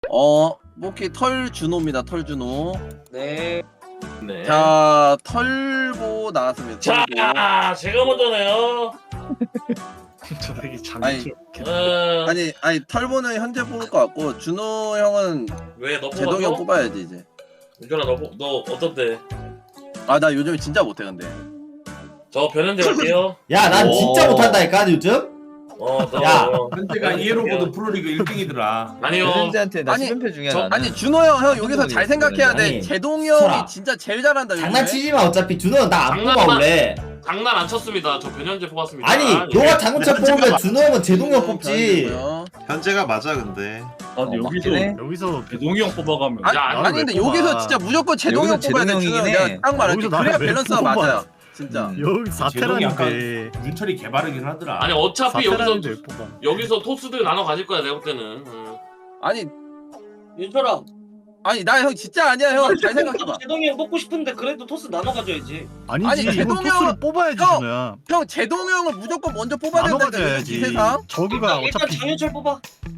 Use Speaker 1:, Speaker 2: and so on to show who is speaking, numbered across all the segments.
Speaker 1: 오케이. 털준호입니다. 털준호.
Speaker 2: 네.
Speaker 3: 네.
Speaker 1: 자, 털보 나왔습니다.
Speaker 3: 자,
Speaker 1: 털보.
Speaker 3: 제가 먼저네요.
Speaker 4: 저 되게
Speaker 1: 아니,
Speaker 4: 장난스럽게.
Speaker 1: 아니 털보는 현재 뽑을 것 같고 준호 형은
Speaker 3: 왜 너
Speaker 1: 제동이 형
Speaker 3: 뽑았어?
Speaker 1: 뽑아야지 이제.
Speaker 3: 윤준아 너 어떤데?
Speaker 1: 아, 나 요즘에 진짜 못해 근데.
Speaker 3: 저 변현재 갈게요.
Speaker 5: 야, 난
Speaker 3: 오.
Speaker 5: 진짜 못한다니까 요즘. 야.
Speaker 6: 현재가 이해로보드 프로리그 1등이더라.
Speaker 3: 아니요.
Speaker 2: 현재한테 나
Speaker 1: 아니,
Speaker 2: 10연패 중이야 나는.
Speaker 1: 아니 준호 형 여기서 잘 생각해야 돼.
Speaker 5: 아니,
Speaker 1: 제동이
Speaker 5: 설아.
Speaker 1: 형이 진짜 제일 잘한다 요즘에.
Speaker 5: 장난치지 마. 어차피 준호는 나 안 뽑아
Speaker 3: 장난만.
Speaker 5: 원래.
Speaker 3: 장난 안 쳤습니다. 저 변현재 뽑았습니다.
Speaker 5: 아니, 너가 장난쳐 뽑으면 준호 형은 제동이 형 뽑지.
Speaker 1: 변현재고요.
Speaker 7: 현재가 맞아 근데.
Speaker 4: 아, 근데
Speaker 2: 맞긴 해.
Speaker 4: 여기서 배동이 형 뽑아가면.
Speaker 1: 아니,
Speaker 3: 야,
Speaker 1: 아니 근데 여기서 진짜 무조건 제동이 형
Speaker 2: 여기서
Speaker 1: 뽑아야 돼.
Speaker 2: 제동이
Speaker 1: 준호 형
Speaker 2: 형이긴
Speaker 1: 내가
Speaker 2: 해.
Speaker 1: 딱 말할게.
Speaker 4: 여기서
Speaker 1: 그래야
Speaker 4: 나를 왜
Speaker 1: 밸런스가
Speaker 4: 뽑아?
Speaker 1: 맞아요. 진짜.
Speaker 4: 여기
Speaker 6: 제동이 약간
Speaker 4: 4테라인데.
Speaker 6: 윤철이 개발이긴 하더라.
Speaker 3: 아니 어차피
Speaker 4: 사테라인데 뽑아.
Speaker 3: 여기서 토스들 나눠 가질 거야 내가 볼 때는.
Speaker 1: 아니
Speaker 8: 윤철아,
Speaker 1: 아니 나 형 진짜 아니야 형. 잘 생각해봐.
Speaker 8: 제동이 형 뽑고 싶은데 그래도 토스 나눠 가져야지.
Speaker 4: 아니지.
Speaker 1: 아니,
Speaker 4: 이건
Speaker 1: 제동이
Speaker 4: 토스를
Speaker 1: 형-
Speaker 4: 뽑아야지
Speaker 1: 형!
Speaker 4: 준호야.
Speaker 1: 형 제동이 형을 무조건 먼저 뽑아야
Speaker 4: 나눠
Speaker 1: 된다.
Speaker 4: 가져야지.
Speaker 1: 이 세상.
Speaker 4: 저기가
Speaker 8: 일단
Speaker 4: 어차피
Speaker 8: 장윤철 뽑아.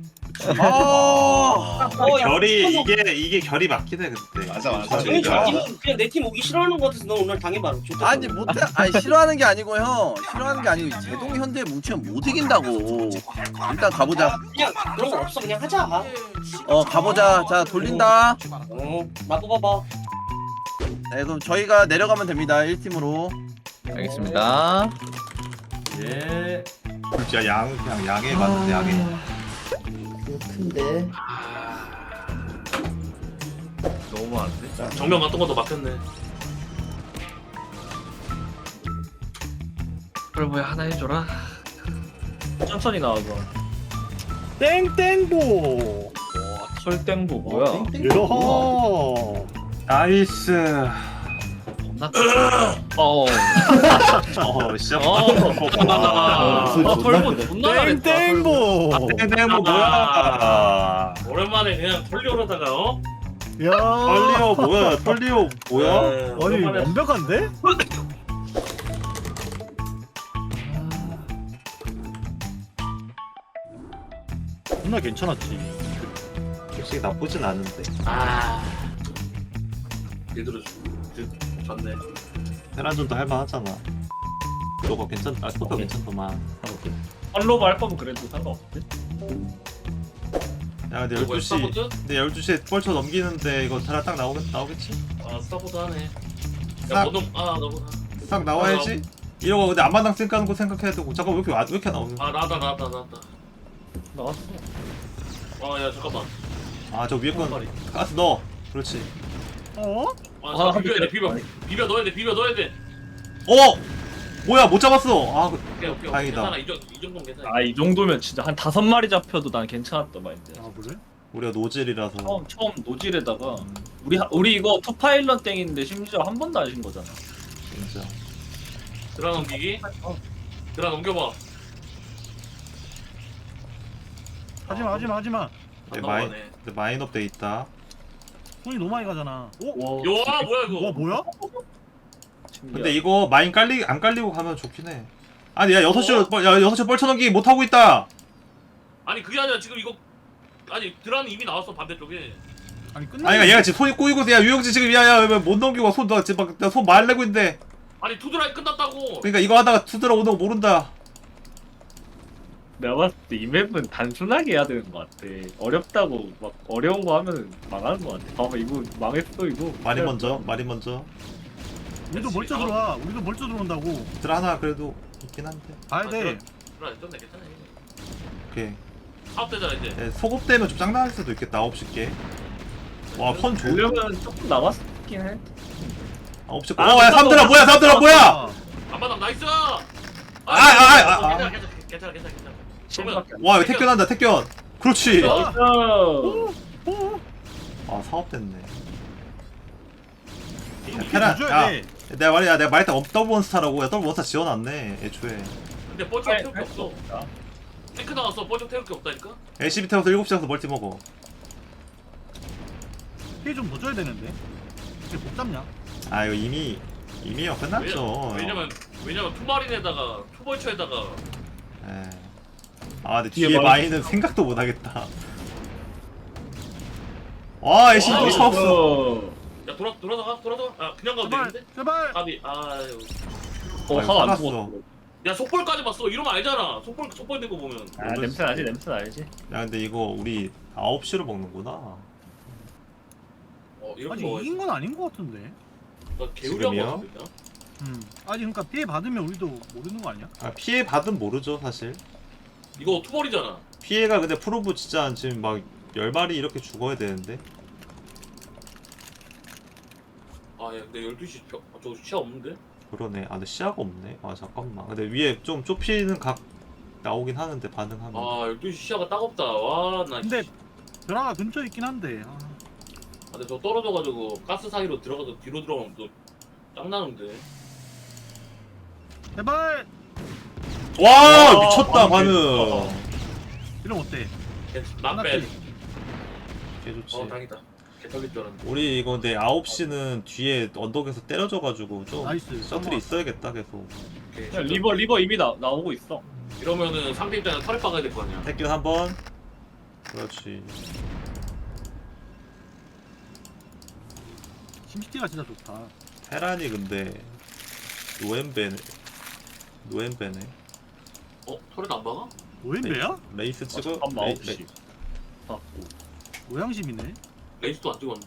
Speaker 1: 아.
Speaker 8: 야,
Speaker 7: 결이
Speaker 8: 윤철
Speaker 7: 이게 결이 맞긴 해 근데.
Speaker 9: 맞아.
Speaker 8: 장윤철 팀은 그냥 내 팀 오기 싫어하는 거 같아서 너 오늘 당해봐. 좋다.
Speaker 1: 아니 못해. 아니 싫어하는 게 아니고 형. 싫어하는 게 아니고 제동이 현재 뭉치면 못 이긴다고. 일단 가보자.
Speaker 8: 그냥 그런 거 없어. 그냥 하자.
Speaker 1: 가보자. 자 돌린다.
Speaker 8: 나 뽑아봐.
Speaker 1: 네, 그럼 저희가 내려가면 됩니다. 1팀으로.
Speaker 2: 알겠습니다.
Speaker 6: 예.
Speaker 7: 진짜 그냥 양에 맞는데 양에.
Speaker 5: 이거 큰데.
Speaker 3: 너무 안 돼. 정면 같은 것도 막혔네.
Speaker 2: 털보야 하나 해줘라. 천천히 나와봐.
Speaker 4: 땡땡보.
Speaker 2: 설땡보 뭐야?
Speaker 4: 이러호.
Speaker 7: 나이스.
Speaker 2: 겁나 어.
Speaker 7: 진짜.
Speaker 3: 털보 존나 잘했다.
Speaker 4: 땡땡보.
Speaker 7: 땡땡 뭐 뭐야?
Speaker 3: 오랜만에 그냥 털리오르다가
Speaker 4: 야.
Speaker 7: 털리오 뭐야? 털리오 뭐야?
Speaker 4: 아니
Speaker 3: 오랜만에
Speaker 4: 완벽한데? 존나 괜찮았지.
Speaker 7: 솔직히 나쁘진 않은데.
Speaker 3: 얘들은 좋네.
Speaker 7: 테란전도 할만하잖아. 너가 괜찮다. 스포터 괜찮더만.
Speaker 2: 팔로우 할 거면 그래도 상관없지.
Speaker 7: 야 근데
Speaker 3: 이거
Speaker 7: 12시.
Speaker 3: 스타보드?
Speaker 7: 근데 12시에 뻘쳐 넘기는데 이거 테란 딱 나오겠지?
Speaker 3: 아 스타보드 하네.
Speaker 7: 싹.
Speaker 3: 야 너도 너무
Speaker 7: 딱 나와야지. 이러고 근데 안마당 쌩 까는 거 생각해야 되고 잠깐 왜 이렇게 나오는?
Speaker 3: 나왔다.
Speaker 2: 나왔어.
Speaker 3: 야 잠깐만.
Speaker 7: 아저 위에 건 가스 넣어. 그렇지.
Speaker 4: 어?
Speaker 3: 비벼 넣어야 돼.
Speaker 7: 뭐야 못 잡았어.
Speaker 3: 오케이.
Speaker 7: 다행이다.
Speaker 3: 괜찮아. 이 정도면 괜찮아.
Speaker 2: 아 이 정도면 진짜 한 5마리 잡혀도 난 괜찮았던 마인드.
Speaker 4: 아 그래?
Speaker 7: 우리가 노즐이라서.
Speaker 2: 처음 노질에다가 우리 이거 투파일런 땡인데 심지어 한 번도 안 신 거잖아.
Speaker 7: 진짜.
Speaker 3: 드라 넘기기. 드라 넘겨봐.
Speaker 4: 하지마.
Speaker 3: 안
Speaker 7: 마인
Speaker 3: 넘어가네.
Speaker 7: 근데 마인업 돼 있다.
Speaker 4: 손이 너무 많이 가잖아. 오?
Speaker 3: 와 뭐야 이거?
Speaker 4: 와 뭐야?
Speaker 7: 근데 이거 마인 안 깔리고 가면 좋긴 해. 아니 야 6시로 뻘쳐 넘기기 못 하고 있다.
Speaker 3: 아니 그게 아니라 지금 이거 드라는 이미 나왔어 반대쪽에.
Speaker 4: 아니 끝나.
Speaker 7: 아니 얘가 지금 손이 꼬이고 야 유영지 지금 야못 넘기고 손 지금 손 말내고 있는데.
Speaker 3: 아니 투드라이 끝났다고.
Speaker 7: 그러니까 이거 하다가 투드라 오는 거 모른다.
Speaker 2: 내가 봤을 때 이 맵은 단순하게 해야 되는 것 같아. 어렵다고 막 어려운 거 하면 망하는 것 같아. 봐봐 이거 망했어 이거.
Speaker 7: 말이 먼저.
Speaker 4: 우리도 멀쩡 들어와. 우리도 멀쩡 들어온다고.
Speaker 7: 드라 하나 그래도 있긴 한데.
Speaker 4: 가야 돼.
Speaker 3: 드라 떴네 괜찮아.
Speaker 7: 오케이.
Speaker 3: 사업되잖아 이제.
Speaker 7: 네, 소급되면 좀 짱나할 수도 있겠다. 9시 게. 와컨 좋.
Speaker 2: 보려면 조금 남았긴 해.
Speaker 7: 9시 거. 야 삼드라 뭐야?
Speaker 3: 안마당 나이스. 괜찮아.
Speaker 7: 와 이거 택견한다 택견. 그렇지.
Speaker 2: 나이스.
Speaker 7: 아 사업됐네.
Speaker 4: 이렇게
Speaker 7: 테란,
Speaker 4: 줘야
Speaker 7: 야.
Speaker 4: 돼.
Speaker 7: 내가 말했다 더블 원스타라고. 야 더블 원스타 지어놨네 애초에.
Speaker 3: 근데 뻘쩍 태울 게 없어. 탱크 나왔어. 뻘쩍 태울 게 없다니까.
Speaker 7: LCB 태워서 7시 가서 멀티 먹어.
Speaker 4: 피해 좀더 줘야 되는데. 이게 못 잡냐?
Speaker 7: 아 이거 이미요 끝났죠.
Speaker 3: 왜냐면 투마린에다가 투벌처에다가
Speaker 7: 에. 아 근데
Speaker 2: 뒤에
Speaker 7: 뒤에
Speaker 2: 마인.
Speaker 7: 마인은 생각도 못하겠다. 와 애쉬 또
Speaker 3: 와,
Speaker 7: 쳤어.
Speaker 3: 야 돌아다가. 아 그냥 가도
Speaker 4: 제발
Speaker 3: 되는데?
Speaker 4: 제발.
Speaker 3: 가비. 아유.
Speaker 7: 아이고,
Speaker 2: 화가 안
Speaker 7: 살았어.
Speaker 2: 죽었어.
Speaker 3: 야 속볼까지 봤어. 이러면 알잖아. 속볼 된 거 보면.
Speaker 2: 아 냄새 나지 냄새 나지.
Speaker 7: 야 근데 이거 우리 9시로 먹는구나.
Speaker 3: 이렇게
Speaker 4: 아직
Speaker 3: 먹어야지.
Speaker 4: 이긴 건 아닌 것 같은데.
Speaker 3: 나 개우리한
Speaker 7: 지금이요?
Speaker 3: 거 같은데.
Speaker 4: 아니 그러니까 피해 받으면 우리도 모르는 거 아니야?
Speaker 7: 아, 피해 받은 모르죠 사실.
Speaker 3: 이거 투벌이잖아.
Speaker 7: 피해가 근데 프로브 진짜 지금 막 10마리 이렇게 죽어야 되는데.
Speaker 3: 아, 야, 근데 12시 저 시야 없는데?
Speaker 7: 그러네. 아 근데 시야가 없네. 아 잠깐만. 근데 위에 좀 좁히는 각 나오긴 하는데 반응하면.
Speaker 3: 아, 12시 시야가 따갑다. 와, 나.
Speaker 4: 근데
Speaker 3: 씨.
Speaker 4: 드라가 근처에 있긴 한데. 아,
Speaker 3: 근데 저 떨어져가지고 가스 사이로 들어가서 뒤로 들어가면 또 짱나는데.
Speaker 4: 제발.
Speaker 7: 와
Speaker 2: 와,
Speaker 7: 미쳤다
Speaker 2: 반응.
Speaker 7: 반응.
Speaker 4: 이러면 어때?
Speaker 3: 나빼.
Speaker 7: 개 좋지.
Speaker 3: 다행이다. 개털릴 줄 알았는데.
Speaker 7: 우리 이거 근데 9시는 뒤에 언덕에서 때려져가지고 좀
Speaker 4: 나이스.
Speaker 7: 셔틀이 있어야겠다 계속.
Speaker 3: 오케이,
Speaker 2: 야, 리버 이미 나오고 있어.
Speaker 3: 이러면은 상대 입장에 털에 박아야 될 거 아니야.
Speaker 7: 택균 한번. 그렇지.
Speaker 4: 심시티가 진짜 좋다.
Speaker 7: 테란이 근데 노엠베네.
Speaker 3: 털에 안 박아?
Speaker 4: 오엠베야?
Speaker 7: 레이스 찍어.
Speaker 2: 잠깐만
Speaker 7: 레이-
Speaker 2: 9시. 아,
Speaker 4: 모양심이네.
Speaker 3: 레이스도 안 찍었는데.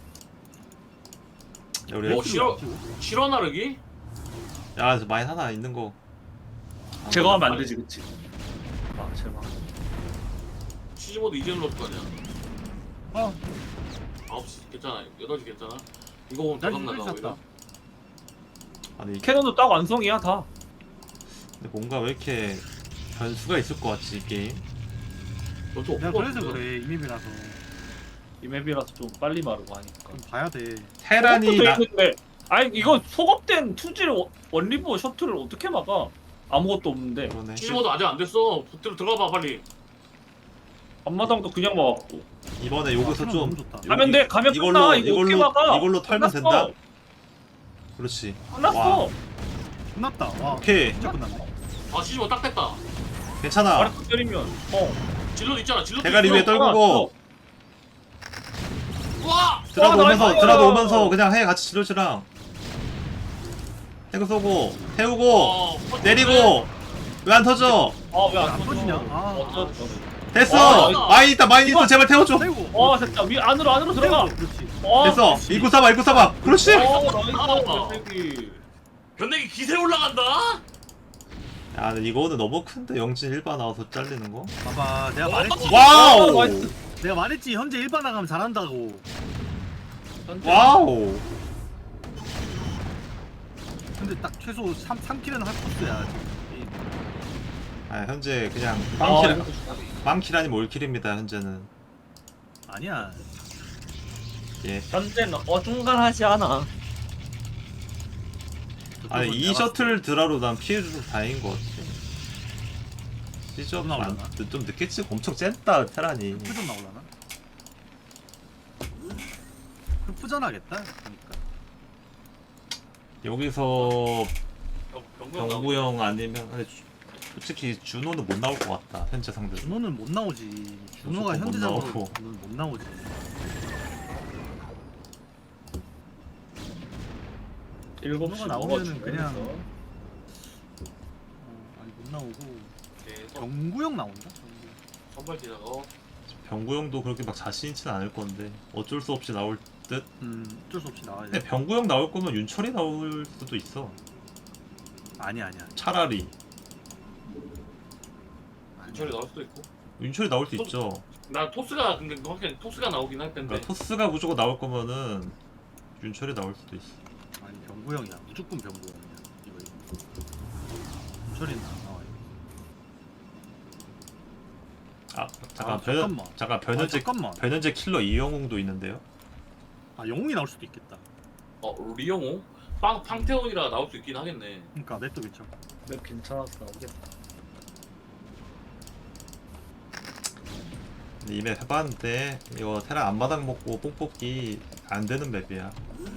Speaker 7: 야, 우리
Speaker 3: 싫어. 실화 나르기?
Speaker 7: 야, 저 마인 하나 있는 거.
Speaker 2: 제거하면 안 되지 그치? 아 제발.
Speaker 3: 치즈모드 이제는 넣을 거 아니야.
Speaker 4: 어.
Speaker 3: 9시 괜찮아. 8시 괜찮아. 이거 보면
Speaker 4: 난
Speaker 3: 대박 나가.
Speaker 4: 이거
Speaker 3: 오히려.
Speaker 7: 아니
Speaker 2: 캐논도 딱 완성이야 다.
Speaker 7: 근데 뭔가 왜 이렇게 변수가 있을 것 같지 이 게임.
Speaker 3: 너도
Speaker 4: 내가
Speaker 3: 없을 것
Speaker 4: 그래서
Speaker 3: 같은데.
Speaker 4: 그래 이맵이라서
Speaker 2: 이 맵이라서 좀 빨리 마르고 하니까.
Speaker 4: 좀 봐야 돼.
Speaker 7: 테란이
Speaker 2: 속업도
Speaker 7: 나,
Speaker 2: 있는데, 아니 이거 속업된 투질 원리버 셔틀을 어떻게 막아? 아무것도 없는데
Speaker 7: 그러네.
Speaker 3: 치즈모드 아직 안 됐어. 들어가 봐 빨리.
Speaker 2: 앞마당도 그냥 막았고.
Speaker 7: 이번에 여기서
Speaker 4: 아,
Speaker 7: 좀
Speaker 4: 너무 좋다.
Speaker 7: 여기-
Speaker 2: 가면 돼 가면 끝나. 이거 어떻게 막아?
Speaker 7: 이걸로 털면
Speaker 2: 끝났어.
Speaker 7: 된다. 그렇지.
Speaker 2: 끝났어.
Speaker 7: 와.
Speaker 4: 끝났다. 와.
Speaker 7: 오케이.
Speaker 4: 진짜 끝났네.
Speaker 3: 아 치즈모드 딱 됐다.
Speaker 7: 괜찮아.
Speaker 2: 아래 때리면
Speaker 3: 질럿 있잖아. 질럿.
Speaker 7: 대가리 위에 떨구고
Speaker 3: 와.
Speaker 7: 드라도
Speaker 2: 와,
Speaker 7: 오면서
Speaker 2: 나이스.
Speaker 7: 드라도 오면서 그냥 해 같이 지로치랑 태그 쏘고 태우고 내리고 왜 안 터져?
Speaker 2: 아왜안
Speaker 4: 안 터지냐? 아.
Speaker 2: 어쩌
Speaker 7: 됐어.
Speaker 3: 와.
Speaker 7: 마인 있다 마인 있어 제발 태워줘.
Speaker 4: 세고.
Speaker 2: 와 됐다 위 안으로 들어가.
Speaker 4: 그렇지.
Speaker 2: 와,
Speaker 7: 됐어. 입구 사봐. 그렇지.
Speaker 2: 나이스.
Speaker 3: 변내기 기세 올라간다.
Speaker 7: 야 근데 이거는 너무 큰데 영진 1바 나와서 잘리는 거.
Speaker 4: 봐봐. 내가 말했지.
Speaker 7: 와우.
Speaker 2: 나이스.
Speaker 4: 내가 말했지. 현재 1반 나가면 잘한다고.
Speaker 7: 와우.
Speaker 4: 근데 딱 최소 3킬은 할 코스야. 지금.
Speaker 7: 아 현재 그냥
Speaker 2: 아,
Speaker 7: 빵킬 아니면 올킬입니다 현재는.
Speaker 4: 아니야.
Speaker 7: 예.
Speaker 2: 현재는 어중간하지 않아.
Speaker 7: 아니 이 셔틀 드라로 난 피해줘서 다행인 것 같아. 시저
Speaker 4: 좀 나오려나?
Speaker 7: 좀 늦겠지. 엄청 쨌다 테란이.
Speaker 4: 흑부전 나올라나? 흑부전 하겠다. 그러니까.
Speaker 7: 여기서
Speaker 3: 병구
Speaker 7: 병구 형 아니면 근데 솔직히 준호는 못 나올 것 같다 현재 상대.
Speaker 4: 준호는 못 나오지. 준호가
Speaker 7: 무조건 못
Speaker 4: 현재적으로
Speaker 7: 나오고.
Speaker 4: 못 나오지.
Speaker 2: 일곱
Speaker 4: 번호가
Speaker 2: 시
Speaker 4: 나오면은 그냥- 아니 못 나오고 경구형 나온다.
Speaker 3: 선발 지나가.
Speaker 7: 병구 형도 그렇게 막 자신 있진 않을 건데 어쩔 수 없이 나올 듯.
Speaker 4: 어쩔 수 없이 나와야
Speaker 7: 근데
Speaker 4: 돼.
Speaker 7: 병구 형 나올 거면 윤철이 나올 수도 있어.
Speaker 4: 아니야.
Speaker 7: 차라리
Speaker 3: 윤철이 나올 수도 있고.
Speaker 7: 윤철이 나올 수 있죠.
Speaker 3: 나 토스가 근데 확실히 토스가 나오긴 할 텐데.
Speaker 7: 그러니까 토스가 무조건 나올 거면은 윤철이 나올 수도 있어.
Speaker 4: 아니 병구형이야. 무조건 병구형이야. 이거. 철이는 안 나와요.
Speaker 7: 아 잠깐
Speaker 4: 아, 잠깐만.
Speaker 7: 잠깐 변현재
Speaker 4: 잠깐만.
Speaker 7: 변현재 킬러 이영웅도 있는데요.
Speaker 4: 아 영웅이 나올 수도 있겠다.
Speaker 3: 리영호? 팡테온이라 나올 수 있긴 하겠네.
Speaker 4: 그러니까 맵도 괜찮고.
Speaker 2: 맵 괜찮았어 나오겠다.
Speaker 7: 근데 이 맵 해봤는데 이거 테란 앞마당 먹고 뽕 뽑기 안 되는 맵이야.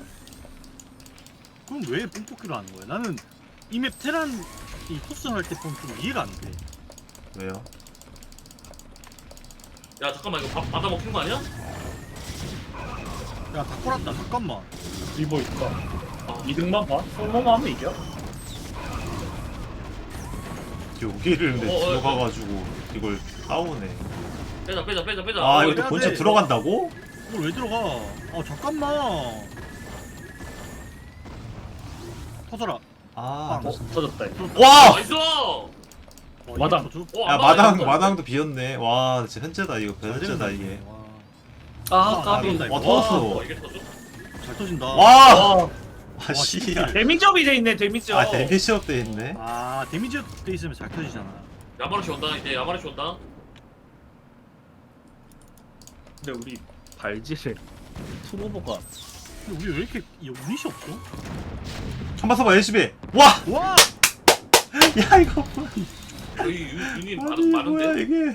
Speaker 4: 그럼 왜 뽕뽑기로 하는 거야? 나는 이 맵 테란 이 토스 할 때 보면 좀 이해가 안 돼.
Speaker 7: 왜요?
Speaker 3: 야 잠깐만 이거 받아 먹힌 거 아니야?
Speaker 4: 야, 다 꼬랐다. 잠깐만.
Speaker 2: 리버 있다. 이득만 봐. 솔로만 하면 이겨.
Speaker 7: 여기를 근데
Speaker 3: 어,
Speaker 7: 들어가가지고 이걸 싸우네.
Speaker 3: 빼자.
Speaker 7: 아
Speaker 4: 어,
Speaker 7: 이거 또
Speaker 4: 해야
Speaker 7: 본체
Speaker 4: 돼.
Speaker 7: 들어간다고?
Speaker 4: 이걸 왜 들어가? 아, 잠깐만. 터져라.
Speaker 7: 아,
Speaker 2: 터졌다. 이거.
Speaker 7: 와!
Speaker 3: 나이스.
Speaker 4: 어,
Speaker 2: 마당.
Speaker 4: 이게 터져?
Speaker 7: 야 마당도 비었네. 와 진짜 현재다 이거
Speaker 4: 잘
Speaker 7: 현재다
Speaker 4: 되는다,
Speaker 7: 이게.
Speaker 2: 아,
Speaker 4: 아,
Speaker 2: 까비.
Speaker 4: 나온다, 이거.
Speaker 7: 와 터졌어.
Speaker 3: 이게 터져?
Speaker 4: 잘 터진다.
Speaker 7: 와! 아 씨.
Speaker 2: 데미지업이 돼 있네, 데미지업.
Speaker 7: 아 데미지업 돼 있네.
Speaker 4: 아, 데미지 돼 있으면 잘 터지잖아.
Speaker 3: 야마르시 온다. 이제 야마르시 온다.
Speaker 2: 근데 우리 발질에 투모버가
Speaker 4: 근데 우리 왜 이렇게 유닛이 없어?
Speaker 7: 한번 써봐 LCB. 와!
Speaker 4: 와!
Speaker 7: 야 이거 뭐야?
Speaker 3: 여기 유닛
Speaker 7: 아니 뭐야
Speaker 3: 많은데.
Speaker 7: 이게?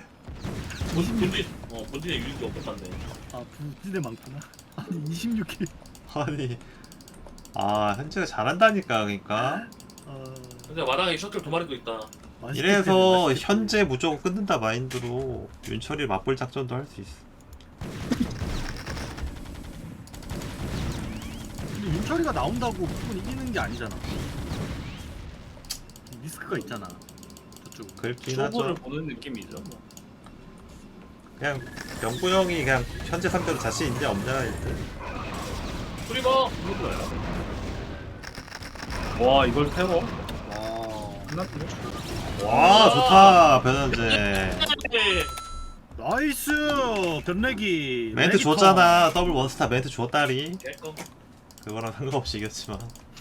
Speaker 3: 본진에 유닛이 없었네.
Speaker 4: 아, 부진에 많구나. 아니, 26킬.
Speaker 7: 아니 아 현재가 잘한다니까 그러니까.
Speaker 3: 근데 마당에 셔틀 두 마리도 있다.
Speaker 7: 이래서 현재 무조건 끊는다 마인드로 윤철이 맞볼 작전도 할 수 있어.
Speaker 4: 근데 윤철이가 나온다고 무조건 이기는 게 아니잖아. 리스크가 있잖아. 저쪽.
Speaker 7: 그렇긴
Speaker 2: 초보를
Speaker 7: 하죠.
Speaker 2: 보는 느낌이죠. 뭐.
Speaker 7: 그냥 병구 형이 그냥 현재 상대로 자신 있냐 없냐 일단.
Speaker 3: 프리버.
Speaker 2: 와, 이걸 태워?
Speaker 4: 와.
Speaker 2: 끝났네.
Speaker 7: 와 좋다 변현재.
Speaker 3: 네.
Speaker 4: 나이스! 변내기.
Speaker 7: 멘트
Speaker 4: 레기턴.
Speaker 7: 줬잖아. 더블 원스타 멘트 줬다리.
Speaker 3: 개껌.
Speaker 7: 그거랑 상관없이 이겼지만.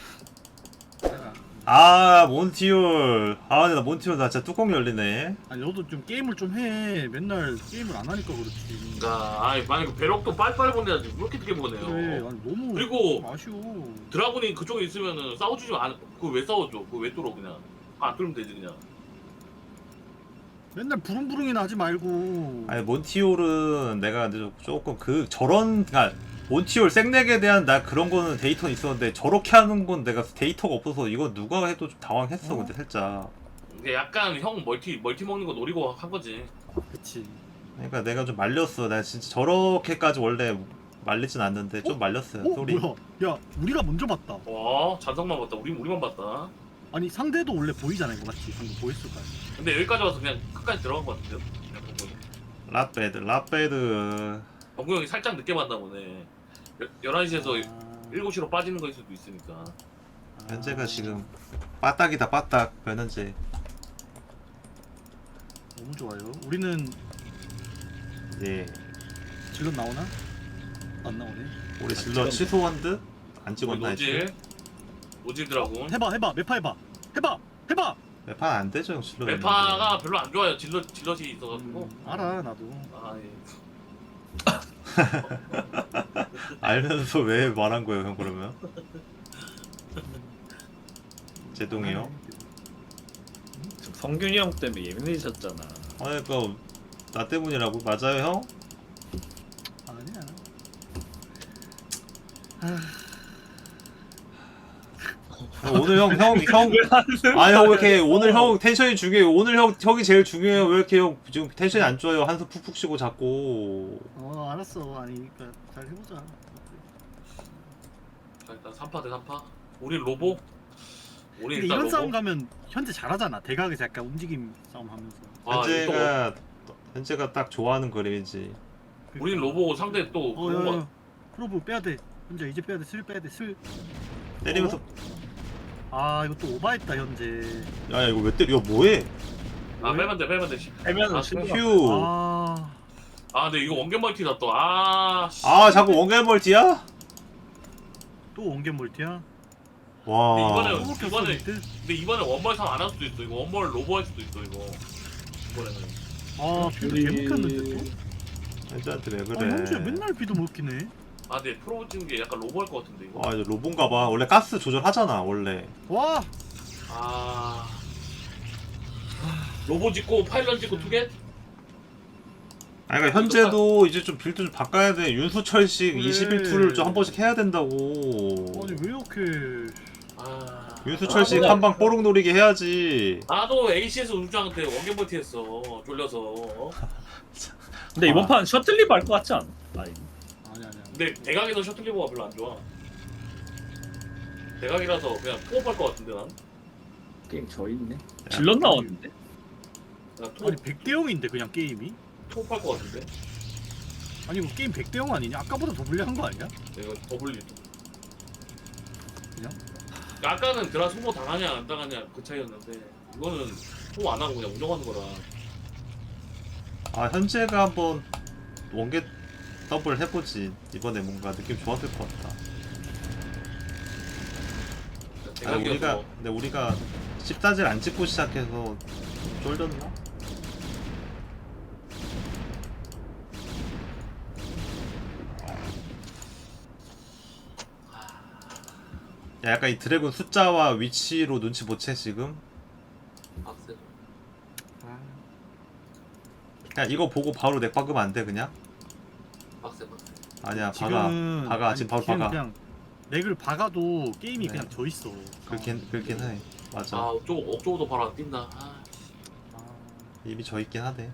Speaker 7: 아 몬티올. 아 근데 나 몬티올 나 진짜 뚜껑 열리네.
Speaker 4: 아니 너도 좀 게임을 좀 해. 맨날 게임을 안 하니까 그렇지.
Speaker 3: 그러니까 아니 만약 배럭도 빨리빨리 보내야지. 왜 이렇게 늦게 보내요?
Speaker 4: 그래. 아니 너무
Speaker 3: 그리고
Speaker 4: 좀 아쉬워.
Speaker 3: 드라군이 그쪽에 있으면은 싸워주지 안. 그거 왜 싸워줘? 그거 왜 뚫어 그냥? 안 뚫으면 되지 그냥.
Speaker 4: 맨날 부릉부릉이나 하지 말고.
Speaker 7: 아니 몬티올은 내가 근데 조금 그 저런 그러니까 몬티올 생렉에 대한 나 그런 거는 데이터는 있었는데 저렇게 하는 건 내가 데이터가 없어서 이거 누가 해도 좀 당황했어
Speaker 4: 어?
Speaker 7: 근데 살짝.
Speaker 3: 이게 약간 형 멀티 먹는 거 노리고 한 거지.
Speaker 4: 그치.
Speaker 7: 그러니까 내가 좀 말렸어. 나 진짜 저렇게까지 원래 말리진 않는데 좀 말렸어요. 소리.
Speaker 4: 뭐야? 야, 우리가 먼저 봤다.
Speaker 3: 와 잔성만 봤다. 우리만 봤다.
Speaker 4: 아니 상대도 원래 보이잖아 이거 맞지? 방금 보였을 거야.
Speaker 3: 근데 여기까지 와서 그냥 끝까지 들어간 것 같은데요?
Speaker 7: 라베드.
Speaker 3: 정구 형이 살짝 늦게 봤나 보네. 11시에서 7시로 빠지는 거일 수도 있으니까.
Speaker 7: 현재가 지금 빠딱이다 빠딱 변현재.
Speaker 4: 너무 좋아요. 우리는
Speaker 7: 예.
Speaker 4: 지금 나오나? 안 나오네.
Speaker 7: 우리 질러 취소한 듯? 안 찍었나
Speaker 3: 노질.
Speaker 7: 했지?
Speaker 3: 노질 드라군.
Speaker 4: 해봐 메파 해봐.
Speaker 7: 매판 안 되죠 형 질러.
Speaker 3: 메파가 별로 안 좋아요. 질럿이 있어가지고.
Speaker 4: 알아 나도.
Speaker 3: 아 예.
Speaker 7: 알면서 왜 말한 거예요 형 그러면? 제동이요?
Speaker 2: 성균이 형 때문에 예민해졌잖아.
Speaker 7: 그러니까 나 때문이라고? 맞아요 형?
Speaker 4: 아니야.
Speaker 7: 오늘 형 아니 형 왜 이렇게 오늘 형 텐션이 중요해요. 오늘 형이 제일 중요해요. 왜 이렇게 형 지금 텐션이 안 좋아요? 한숨 푹푹 쉬고 자꾸.
Speaker 4: 알았어. 아니 그러니까 잘 해보자.
Speaker 3: 자 일단 3파 대 3파. 우리 로보. 우리
Speaker 4: 근데
Speaker 3: 일단
Speaker 4: 이런
Speaker 3: 로보.
Speaker 4: 싸움 가면 현재 잘하잖아. 대각에서 약간 움직임 싸움 하면서.
Speaker 7: 현재가 딱 좋아하는 그림이지.
Speaker 3: 우린 로보고 상대 또 그런 거.
Speaker 4: 야야. 프로브 빼야 돼. 현재 이제 빼야 돼. 슬 빼야 돼. 슬.
Speaker 7: 때리면서
Speaker 4: 아 이거 또 오바했다 현재.
Speaker 7: 야 이거 왜 때려? 이거 뭐해?
Speaker 3: 아 빼면 돼.
Speaker 2: 빼면은
Speaker 3: 아,
Speaker 2: 실패.
Speaker 7: 휴.
Speaker 3: 아 근데 이거 원겐 멀티다 또. 아. 씨.
Speaker 7: 자꾸 원갈 멀티야?
Speaker 4: 또 원겐 멀티야?
Speaker 7: 와.
Speaker 3: 근데 이번에 원벌 3 안 할 수도 있어. 이거 원벌 로보 할 수도 있어 이거. 이번에는.
Speaker 4: 아 비도 개먹혔는데 또?
Speaker 7: 현재한테 왜
Speaker 4: 아
Speaker 7: 그래?
Speaker 4: 현재 맨날 비도 먹히네.
Speaker 3: 아 근데 프로 찍는 게 약간 로보 할 것 같은데 이거.
Speaker 7: 이제 로본가 봐. 원래 가스 조절하잖아 원래.
Speaker 4: 와!
Speaker 3: 아. 로보 찍고 파일런 찍고 투겟?
Speaker 7: 그러니까 현재도 이제 좀 빌드 좀 바꿔야 돼. 윤수철식
Speaker 4: 그래.
Speaker 7: 21투를 좀 한 번씩 해야 된다고.
Speaker 4: 아니 왜 이렇게
Speaker 3: 아.
Speaker 7: 윤수철식
Speaker 3: 아,
Speaker 7: 한 방 뽀록 노리게 해야지.
Speaker 3: 나도 AC에서 우주한테 원겐 멀티 했어. 졸려서.
Speaker 2: 근데 이번 판 셔틀리브 할 것 같지 않아? 아니.
Speaker 4: 아니야.
Speaker 3: 근데 대각에서 셔틀 리버가 별로 안 좋아. 대각이라서 그냥 투업할 것 같은데 난.
Speaker 2: 게임 져 있네. 질럿 나왔는데.
Speaker 3: 그냥
Speaker 4: 아니 100대 0인데 그냥 게임이?
Speaker 3: 투업할 것 같은데.
Speaker 4: 아니 이거 게임 100대 0 아니냐? 아까보다 더 불리한 거 아니야?
Speaker 3: 이거 더블리.
Speaker 4: 그냥?
Speaker 3: 아까는 드라 소모 당하냐 안 당하냐 그 차이였는데 이거는 소모 안 하고 그냥 운영하는 거라.
Speaker 7: 아 현재가 한번 원겟 더블 해보지. 이번에 뭔가 느낌 좋았을 것 같다. 아 근데 우리가 10다질 안 찍고 시작해서 좀 쫄렸나? 야, 약간 이 드래곤 숫자와 위치로 눈치 못 채 지금?
Speaker 3: 빡세.
Speaker 7: 그냥 이거 보고 바로 넥 박으면 안 돼 그냥?
Speaker 3: 빡세.
Speaker 7: 아니야
Speaker 4: 지금은
Speaker 7: 박아 지금 바로
Speaker 4: 지금
Speaker 7: 박아.
Speaker 4: 그냥 렉을 박아도 게임이
Speaker 7: 네.
Speaker 4: 그냥 져 있어.
Speaker 7: 그렇긴 해. 맞아.
Speaker 3: 옥저우도 바로 안 뛴다.
Speaker 7: 이미 져 있긴 하네.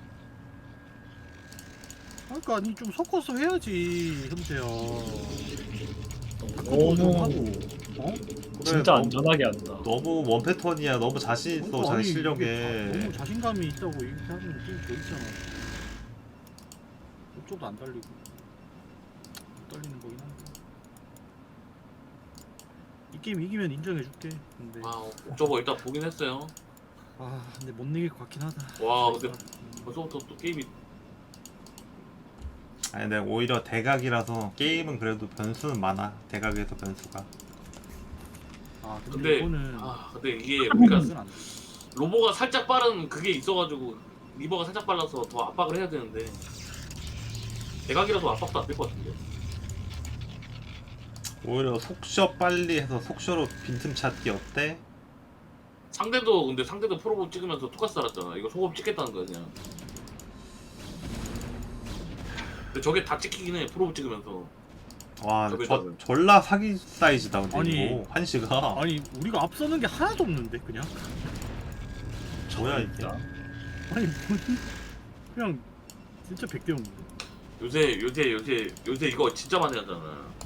Speaker 4: 그러니까 아니 좀 섞어서 해야지 현재야.
Speaker 2: 너무
Speaker 4: 좀 하고. 어?
Speaker 2: 진짜
Speaker 7: 너무-
Speaker 2: 안전하게 한다.
Speaker 7: 너무 원 패턴이야. 너무 자신 있어 자기
Speaker 4: 아니,
Speaker 7: 실력에.
Speaker 4: 이게 너무 자신감이 있다고 이렇게 하면 게임 져 있잖아. 이쪽도 안 달리고. 못 달리는 거긴 한데. 이 게임 이기면 인정해줄게. 근데
Speaker 3: 옥저버 일단 보긴 했어요.
Speaker 4: 근데 못 이길 것 같긴 하다.
Speaker 3: 와, 근데 벌써부터 또 게임이
Speaker 7: 아니 내가 오히려 대각이라서 게임은 그래도 변수는 많아. 대각에서 변수가.
Speaker 4: 근데
Speaker 3: 근데
Speaker 4: 이거는
Speaker 3: 근데 이게 우리가
Speaker 4: 안 돼.
Speaker 3: 로보가 살짝 빠른 그게 있어가지고 리버가 살짝 빨라서 더 압박을 해야 되는데 대각이라도 압박도 안 될 것 같은데.
Speaker 7: 오히려 속셔 빨리 해서 속셔로 빈틈 찾기 어때?
Speaker 3: 상대도 프로보 찍으면서 투가스 달았잖아. 이거 소금 찍겠다는 거야 그냥. 근데 저게 다 찍히긴 해 프로보 찍으면서.
Speaker 7: 와
Speaker 3: 저기다가.
Speaker 7: 졸라 사기 사이즈다 근데
Speaker 4: 아니,
Speaker 7: 이거 한시가.
Speaker 4: 아니 우리가 앞서는 게 하나도 없는데 그냥.
Speaker 7: 뭐야 이게?
Speaker 4: 아니 그냥 진짜 100대 0인데.
Speaker 3: 요새 이거 진짜 많이 하잖아.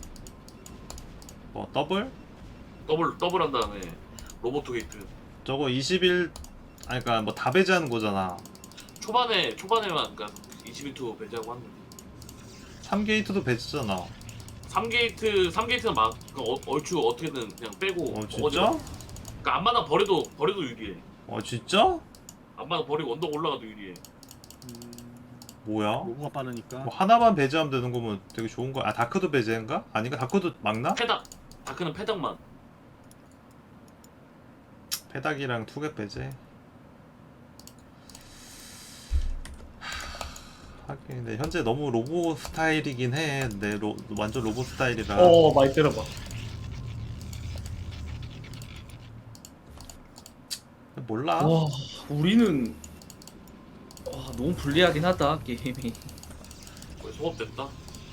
Speaker 7: 뭐 더블?
Speaker 3: 더블 한 다음에 로보트 게이트.
Speaker 7: 저거 21 아니 그니까 뭐 다 배제하는 거잖아.
Speaker 3: 초반에만 그러니까 22투 배제하고 하는 거지.
Speaker 7: 3게이트도 배제잖아.
Speaker 3: 3게이트는 막 얼추 어떻게든 그냥 빼고.
Speaker 7: 진짜?
Speaker 3: 그러니까 앞마당 버려도 유리해.
Speaker 7: 진짜?
Speaker 3: 앞마당 버리고 언덕 올라가도 유리해.
Speaker 7: 뭐야?
Speaker 4: 로고가 빠르니까.
Speaker 7: 뭐 하나만 배제하면 되는 거면 되게 좋은 거야. 다크도 배제인가? 아닌가? 다크도 막나?
Speaker 3: 다크는 패닥만.
Speaker 7: 페닥이랑 투겟 배제. 하긴 근데 현재 너무 로보 스타일이긴 해. 근데 완전 로보 스타일이라.
Speaker 2: 많이 때려봐.
Speaker 7: 몰라.
Speaker 2: 와, 우리는 너무 불리하긴 하다 게임이.
Speaker 3: 거의 소업됐다.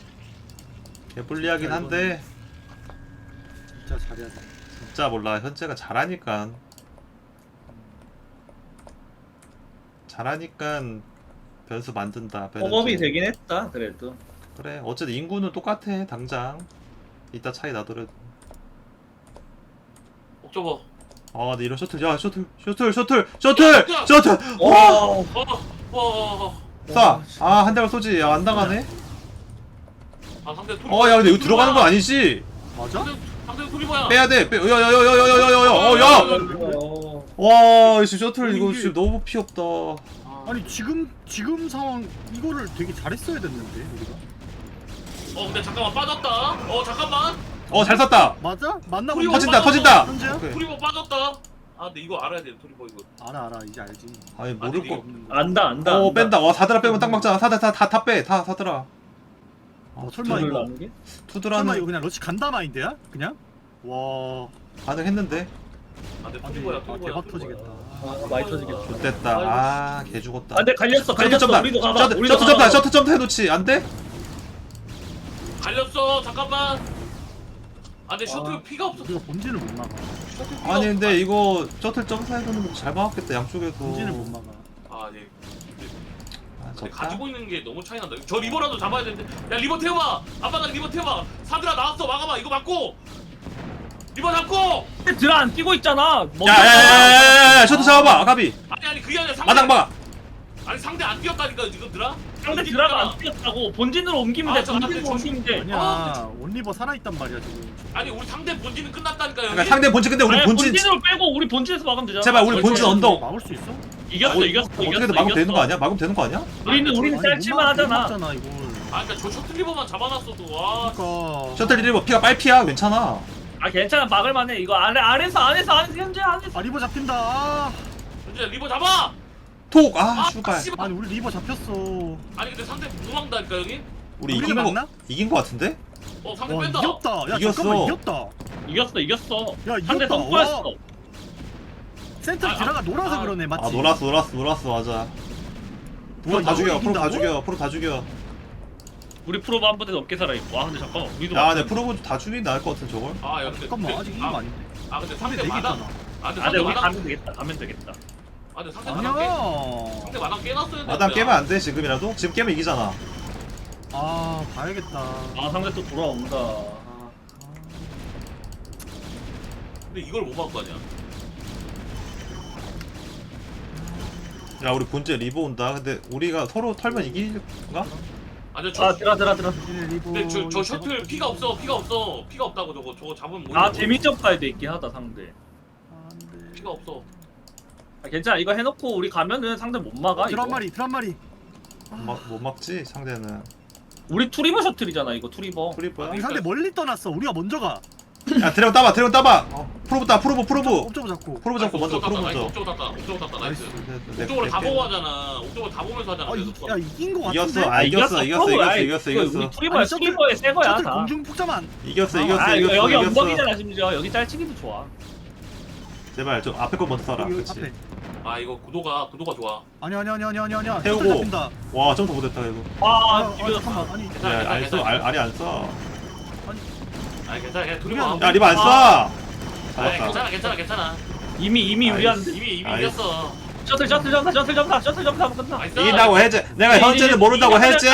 Speaker 7: 개불리하긴 한데
Speaker 4: 진짜 잘해야 돼.
Speaker 7: 진짜 몰라. 현재가 잘하니까 변수 만든다.
Speaker 2: 홈업이 되긴 했다 그래도.
Speaker 7: 그래 어쨌든 인구는 똑같아 당장. 이따 차이 나더라도.
Speaker 3: 옥저버.
Speaker 7: 근데 이런 셔틀 야 셔틀
Speaker 3: 와.
Speaker 7: 한 대만 쏘지. 야, 안 당하네.
Speaker 3: 상대 토리.
Speaker 7: 야 근데 이거 들어가는 건 아니지.
Speaker 4: 맞아?
Speaker 3: 상대 토리버야.
Speaker 7: 빼야 돼. 야야야야야야야야. 와 지금 셔틀 이거 지금 너무 피 없다.
Speaker 4: 아니 지금 상황 이거를 되게 잘했어야 됐는데 우리가.
Speaker 3: 근데 잠깐만 빠졌다. 잠깐만.
Speaker 7: 잘 쐈다.
Speaker 4: 맞아? 맞나?
Speaker 3: 토리버
Speaker 7: 터진다.
Speaker 4: 현재야?
Speaker 7: 오케이.
Speaker 3: 토리버 빠졌다. 근데 이거 알아야 돼 토리버 이거.
Speaker 4: 알아 이제 알지.
Speaker 7: 아니 모를 거.
Speaker 2: 안다.
Speaker 7: 뺀다. 사드라 빼면 딱 막잖아. 다 빼. 다 사드라.
Speaker 4: 설마 이거 설마
Speaker 7: 투드라는
Speaker 4: 이거 그냥 러시 간다 마인드야? 그냥? 와.
Speaker 7: 가능했는데.
Speaker 3: 근데
Speaker 4: 아니,
Speaker 3: 토리버야.
Speaker 4: 대박 터지겠다.
Speaker 2: 많이 터지겠다.
Speaker 7: 좋됐다. 개 죽었다.
Speaker 2: 안돼 갈렸어. 우리도 가봐.
Speaker 7: 셔틀 점프 해놓지. 안 돼?
Speaker 3: 갈렸어. 잠깐만. 근데 셔틀 피가 없어.
Speaker 4: 우리가 본진을 못 막아.
Speaker 7: 아니 근데 이거 셔틀 점프해서는 잘 막았겠다 양쪽에서.
Speaker 4: 본진을 못 막아.
Speaker 3: 네.
Speaker 7: 졌다.
Speaker 3: 가지고 있는 게 너무 차이 난다. 저 리버라도 잡아야 되는데. 야 리버 태워봐. 아빠가 리버 태워봐. 사드라 나왔어. 막아봐. 이거 맞고. 리버 잡고.
Speaker 2: 드라 안 뛰고 있잖아.
Speaker 7: 야야야야야 셔터 잡아봐 아가비.
Speaker 3: 아니 그게 아니라 상대.
Speaker 7: 마당 막아.
Speaker 3: 아니 상대 안 뛰었다니까 지금 드라.
Speaker 2: 상대 드라가 안 뛰었다고. 본진으로 옮기면 돼.
Speaker 3: 아, 저
Speaker 2: 본진으로
Speaker 3: 앞에
Speaker 2: 옮기면 돼.
Speaker 4: 아니야 온리버 살아있단 말이야 지금.
Speaker 3: 아니 우리 상대 본진은 끝났다니까 여기.
Speaker 7: 그러니까 상대 본진 근데 우리
Speaker 2: 아니,
Speaker 7: 본진
Speaker 2: 본진으로 빼고 우리 본진에서 막으면 되잖아.
Speaker 7: 제발 우리 본진 언덕
Speaker 4: 막을 수 있어?
Speaker 2: 이겼어 이겼어.
Speaker 7: 어떻게든 막으면 되는 거 아니야? 막으면 되는 거 아니야?
Speaker 2: 우리는 짤칠만 하잖아.
Speaker 4: 잖아 이걸.
Speaker 3: 아 그러니까 저 셔틀 리버만 잡아놨어도 와.
Speaker 4: 그러니까.
Speaker 7: 셔틀 리버 피가 빨피야 괜찮아.
Speaker 2: 아 괜찮아 막을만해. 이거 안에서 현재 안에서.
Speaker 4: 아 리버 잡힌다. 아,
Speaker 3: 현재 리버 잡아.
Speaker 7: 톡! 아 슈발.
Speaker 3: 씨발.
Speaker 4: 아니 우리 리버 잡혔어.
Speaker 3: 아니 근데 상대 무망다니까 여기.
Speaker 7: 우리
Speaker 4: 우리가
Speaker 7: 이긴 거
Speaker 4: 막나?
Speaker 7: 이긴 거 같은데?
Speaker 3: 상대
Speaker 4: 와
Speaker 3: 뺀다.
Speaker 4: 이겼다. 야
Speaker 7: 이겼어.
Speaker 4: 잠깐만 이겼다.
Speaker 2: 이겼어.
Speaker 4: 야
Speaker 2: 상대
Speaker 4: 이겼다.
Speaker 2: 선포했어.
Speaker 4: 와, 센터
Speaker 3: 아,
Speaker 4: 드라가 놀아서
Speaker 3: 아,
Speaker 4: 그러네 맞지?
Speaker 7: 아 놀았어 맞아. 프로 다 죽여 프로 다 죽여.
Speaker 2: 우리 프로브 한 번에 넘게 살아있고. 아 근데 잠깐만 우리도
Speaker 7: 야 근데 프로보 다 죽이긴 나을 것 같은 저걸.
Speaker 3: 아 야, 근데
Speaker 4: 잠깐만 아직 이긴 거 아닌데?
Speaker 3: 아 근데 상대
Speaker 4: 상대
Speaker 3: 마당.
Speaker 4: 내기잖아.
Speaker 3: 아 근데
Speaker 2: 아
Speaker 3: 상대
Speaker 2: 근데 우리
Speaker 3: 마당.
Speaker 2: 가면 되겠다.
Speaker 3: 아 근데 상대 마당 깨.
Speaker 4: 아니야.
Speaker 3: 상대 마당 깨놨어야 되는데.
Speaker 7: 마당 깨면 안 돼 지금이라도? 지금 깨면 이기잖아.
Speaker 4: 아 봐야겠다.
Speaker 2: 아 상대 또 돌아온다.
Speaker 3: 근데 이걸 못 막고 하냐?
Speaker 7: 야 우리 본체 리버 온다. 근데 우리가 서로 털면 이길까?
Speaker 3: 아니
Speaker 2: 아 드라.
Speaker 3: 근데 저 셔틀 피가 없어. 피가 없다고 저거 잡으면 뭐?
Speaker 2: 아 재미점 가야 돼 있긴 하다 상대.
Speaker 3: 피가 없어.
Speaker 2: 아, 괜찮아 이거 해놓고 우리 가면은 상대 못 막아. 이거.
Speaker 4: 드란 마리.
Speaker 7: 못 막지 상대는.
Speaker 2: 우리 투리버 셔틀이잖아 이거 투리버.
Speaker 7: 프리버야?
Speaker 4: 이 상대 멀리 떠났어. 우리가 먼저 가.
Speaker 7: 야 드래곤 따봐 프로브 따 프로브
Speaker 4: 옵저버 잡고.
Speaker 7: 프로브 잡고 먼저 프로브 먼저.
Speaker 3: 옥저버 땄다. 나이스.
Speaker 7: 네,
Speaker 3: 옥저버를 다 보고 하잖아. 옥저버 다 보면서 하잖아.
Speaker 4: 야 이긴 거 같은데?
Speaker 7: 이겼어 아 이겼어
Speaker 2: 우리
Speaker 7: 이겼어
Speaker 2: 투리버야
Speaker 4: 아니, 셔틀-
Speaker 2: 투리버의 새 거야
Speaker 4: 셔틀
Speaker 2: 다.
Speaker 4: 공중 폭자만.
Speaker 7: 이겼어
Speaker 2: 아 이거 여기
Speaker 7: 이겼어.
Speaker 2: 언덕이잖아 심지어 여기 짤치기도 좋아.
Speaker 7: 제발 좀 앞에 거 먼저 써라.
Speaker 4: 여기
Speaker 7: 그렇지.
Speaker 4: 앞에.
Speaker 3: 아 이거 구도가 좋아.
Speaker 4: 아니야.
Speaker 7: 태우고.
Speaker 4: 셔틀 잡힌다.
Speaker 7: 와 점프 못했다 이거.
Speaker 2: 아
Speaker 4: 아 잠깐만. 아니
Speaker 7: 야 알 써? 알이 안 써.
Speaker 3: 아 괜찮아. 그냥 둘이
Speaker 4: 그냥-
Speaker 3: 봐.
Speaker 7: 야 리바 안 써.
Speaker 3: 아
Speaker 7: 잡았다.
Speaker 3: 괜찮아.
Speaker 2: 이미
Speaker 7: 아,
Speaker 2: 우리한테
Speaker 3: 이미
Speaker 7: 알겠어.
Speaker 3: 이겼어.
Speaker 2: 셔틀 점사 끝나.
Speaker 3: 나이스.
Speaker 7: 이긴다고 해제. 내가 현재는 모른다고 해제.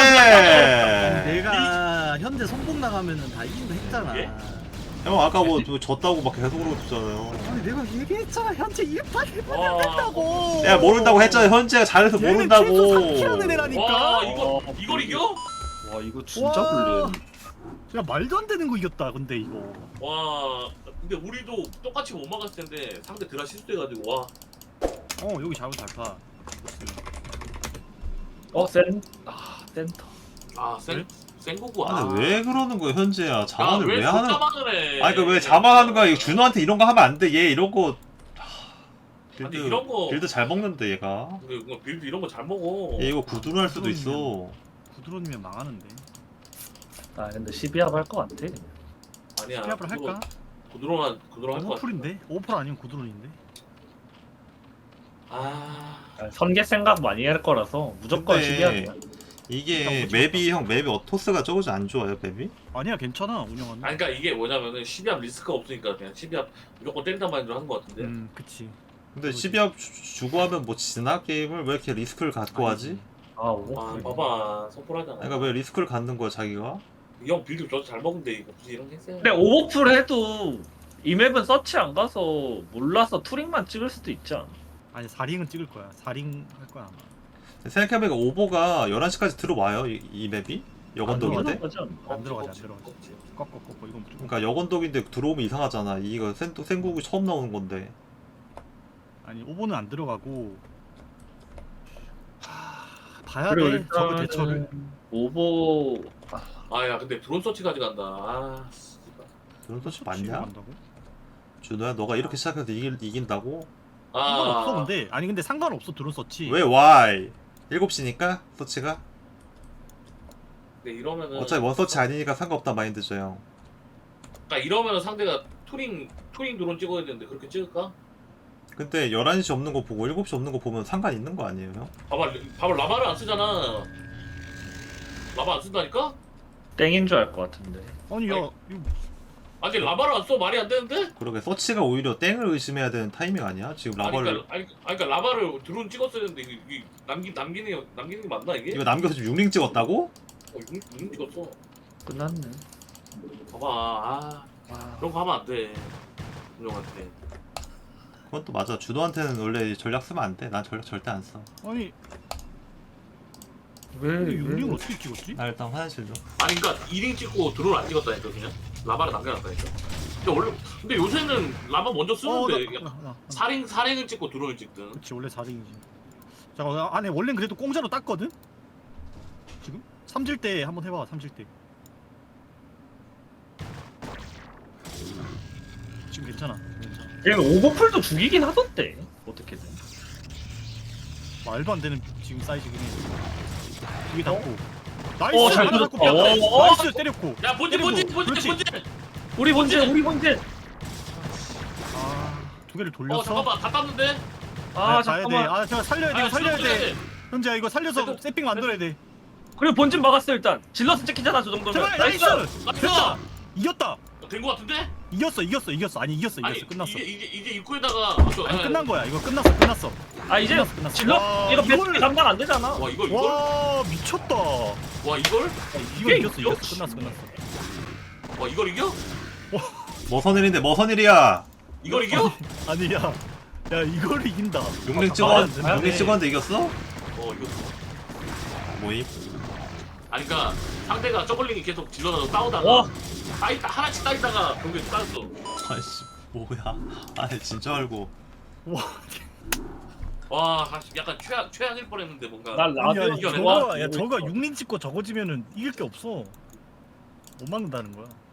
Speaker 4: 내가 현재 손목 나가면은 다 이긴다 했잖아.
Speaker 3: 예?
Speaker 7: 형 아까 뭐 졌다고 막 계속 그러고 있잖아요.
Speaker 4: 아니 내가 얘기했잖아. 현재 1판
Speaker 3: 와.
Speaker 4: 했다고.
Speaker 7: 내가 모른다고 했잖아. 현재가 잘해서 모른다고.
Speaker 4: 얘는 애라니까.
Speaker 3: 와 이걸 이겨?
Speaker 2: 와 이거 진짜
Speaker 4: 와.
Speaker 2: 불리해.
Speaker 4: 야 말도 안 되는 거 이겼다. 근데 이거.
Speaker 3: 와 근데 우리도 똑같이 못 막았을 텐데 상대 드라 실수해가지고 와.
Speaker 4: 여기 잡으면 잘 파.
Speaker 2: 센터.
Speaker 3: 센고구
Speaker 7: 아니 왜 그러는 거야 현재야? 자만을
Speaker 3: 왜
Speaker 7: 왜 하는?
Speaker 3: 자만을 해?
Speaker 7: 아니 그왜 자만하는 거야? 이거 준호한테 이런 거 하면 안 돼. 얘 이런 거. 빌드
Speaker 3: 아니, 이런 거-
Speaker 7: 빌드 잘 먹는데 얘가.
Speaker 3: 근데 이거 빌드 이런 거 잘 먹어.
Speaker 7: 얘 이거 구두로 할 수도 있어.
Speaker 4: 구드론이면 망하는데.
Speaker 2: 아 근데 12합 할 것 같아.
Speaker 3: 아니야.
Speaker 4: 스피아프를 할까?
Speaker 3: 구드론 할것 같아.
Speaker 4: 오버풀인데? 오버풀 아니면 구드론인데?
Speaker 3: 아.
Speaker 2: 선계 생각 많이 할 거라서 무조건
Speaker 7: 근데
Speaker 2: 12합이야.
Speaker 7: 이게 맵이 형 맵이 토스가 적어지 안 좋아요 맵이?
Speaker 4: 아니야 괜찮아 운영하는.
Speaker 3: 아니 그러니까 이게 뭐냐면은 12합 리스크가 없으니까 그냥 12합 무조건 때린단 마인드로 하는 것 같은데.
Speaker 4: 그치.
Speaker 7: 근데 12합 주고 하면 뭐 지나 게임을 왜 이렇게 리스크를 갖고 하지?
Speaker 2: 아 오버.
Speaker 3: 와 봐봐 선풀하잖아.
Speaker 7: 그러니까 왜 리스크를 갖는 거야 자기가?
Speaker 3: 이 형 빌드 저도 잘 먹는데 이거 굳이 이런 게 했어요.
Speaker 2: 근데 오버풀 해도 이 맵은 서치 안 가서 몰라서 투링만 찍을 수도 있지 않아?
Speaker 4: 아니 4링은 찍을 거야. 4링 할 거야 아마.
Speaker 7: 생각해보니까 오버가 11시까지 들어와요 이 맵이? 여건독인데?
Speaker 4: 안 들어가지. 꺾어 이건 무조건.
Speaker 7: 그러니까 여건독인데 들어오면 이상하잖아. 이거 생국이 처음 나오는 건데.
Speaker 4: 아니 오버는 안 들어가고. 봐야
Speaker 2: 그리고
Speaker 4: 돼. 저거 대처를.
Speaker 2: 오버
Speaker 3: 아야 근데 드론 서치까지 간다. 아 씨발.
Speaker 7: 그런 소식
Speaker 4: 치고
Speaker 7: 맞냐?
Speaker 4: 간다고?
Speaker 7: 준호야 너가 이렇게 시작해서 이긴다고?
Speaker 4: 상관없어 근데. 아니 근데 상관없어 드론 서치.
Speaker 7: 왜 why? 7시니까 서치가?
Speaker 3: 근데 이러면은
Speaker 7: 어차피 원서치 아니니까 상관없다 마인드죠 형.
Speaker 3: 그러니까 이러면은 상대가 투링 드론 찍어야 되는데 그렇게 찍을까?
Speaker 7: 근데 11시 없는 거 보고 7시 없는 거 보면 상관 있는 거 아니에요 형?
Speaker 3: 봐봐 라마를 안 쓰잖아. 라마 안 쓴다니까?
Speaker 2: 땡인 줄 알 것 같은데.
Speaker 4: 아니 야
Speaker 3: 아니.
Speaker 4: 이거
Speaker 3: 아니 라바를 안 써 말이 안 되는데?
Speaker 7: 그러게 서치가 오히려 땡을 의심해야 되는 타이밍 아니야? 지금
Speaker 3: 아니,
Speaker 7: 라바를
Speaker 3: 그러니까 라바를 드론 찍었어야 되는데 이게 남기는 게 맞나 이게?
Speaker 7: 이거 남겨서 지금 6링 찍었다고?
Speaker 3: 이거 찍었어.
Speaker 2: 끝났네.
Speaker 3: 봐봐 그런 거 하면 안 돼. 운영한테.
Speaker 7: 그건 또 맞아. 주도한테는 원래 전략 쓰면 안 돼. 난 전략 절대 안 써.
Speaker 4: 아니
Speaker 2: 왜?
Speaker 4: 용링을 어떻게 찍었지?
Speaker 7: 나 일단 화장실 좀.
Speaker 3: 아니 그러니까 2링 찍고 드론 안 찍었다니까 그냥 라바를 남겨놨다니까. 근데 요새는 라바 먼저 쓰는데
Speaker 4: 나.
Speaker 3: 4링을 찍고 드론을 찍든.
Speaker 4: 그렇지 원래 4링이지. 잠깐 안에 원래는 그래도 공짜로 땄거든? 지금? 삼질 때 한번 해봐 삼질 때. 지금 괜찮아.
Speaker 2: 얘는 오버풀도 죽이긴 하던데. 어떻게든.
Speaker 4: 말도 안 되는 지금 사이즈긴 해. 두개 닫고. 나이스!
Speaker 2: 잘
Speaker 4: 하나 닫고
Speaker 2: 뚫었다.
Speaker 4: 뺐다. 나이스 때렸고.
Speaker 3: 야 본진
Speaker 4: 그렇지.
Speaker 2: 우리 본진.
Speaker 4: 두 개를 돌렸어.
Speaker 3: 잠깐만 다 땄는데.
Speaker 2: 아
Speaker 4: 가야 돼.
Speaker 2: 잠깐만.
Speaker 4: 아 제가 살려야 돼. 이거 살려야 돼. 현재야 이거 살려서
Speaker 3: 그래도-
Speaker 4: 세핑 만들어야 돼.
Speaker 2: 그리고 본진 막았어 일단. 질러서 찍히잖아 저 정도면.
Speaker 4: 제발 나이스! 됐다. 이겼다.
Speaker 3: 된거 같은데?
Speaker 4: 이겼어. 아니 이겼어.
Speaker 3: 아니
Speaker 4: 끝났어.
Speaker 3: 이제 입구에다가
Speaker 4: 아니 끝난 거야. 이거 끝났어.
Speaker 2: 아 이제
Speaker 4: 끝났어.
Speaker 2: 질러
Speaker 4: 와,
Speaker 2: 이거
Speaker 4: 이거를-
Speaker 2: 배속이 감당 안 되잖아.
Speaker 3: 와 이걸
Speaker 4: 와 미쳤다.
Speaker 3: 와 이걸
Speaker 4: 이거 이겼어. 끝났어.
Speaker 3: 와 이걸 이겨?
Speaker 7: 머선일인데 머선일이야.
Speaker 3: 이걸 이겨?
Speaker 4: 아니야. 야 이거를 이긴다.
Speaker 7: 6링
Speaker 2: 네.
Speaker 7: 찍었는데 이겼어?
Speaker 3: 이거
Speaker 7: 뭐임?
Speaker 3: 아니 그니까 상대가 저글링이 계속 질러서 싸우다가
Speaker 2: 와.
Speaker 3: 하나씩 따있다가 경기에 따였어.
Speaker 7: 아이씨 뭐야? 아니 진짜 알고.
Speaker 3: 와 약간 최악일 뻔했는데 뭔가.
Speaker 2: 난 라디오
Speaker 4: 아니야
Speaker 3: 이겨내.
Speaker 4: 저거 6링 찍고 저거 지면은 이길 게 없어. 못 막는다는 거야.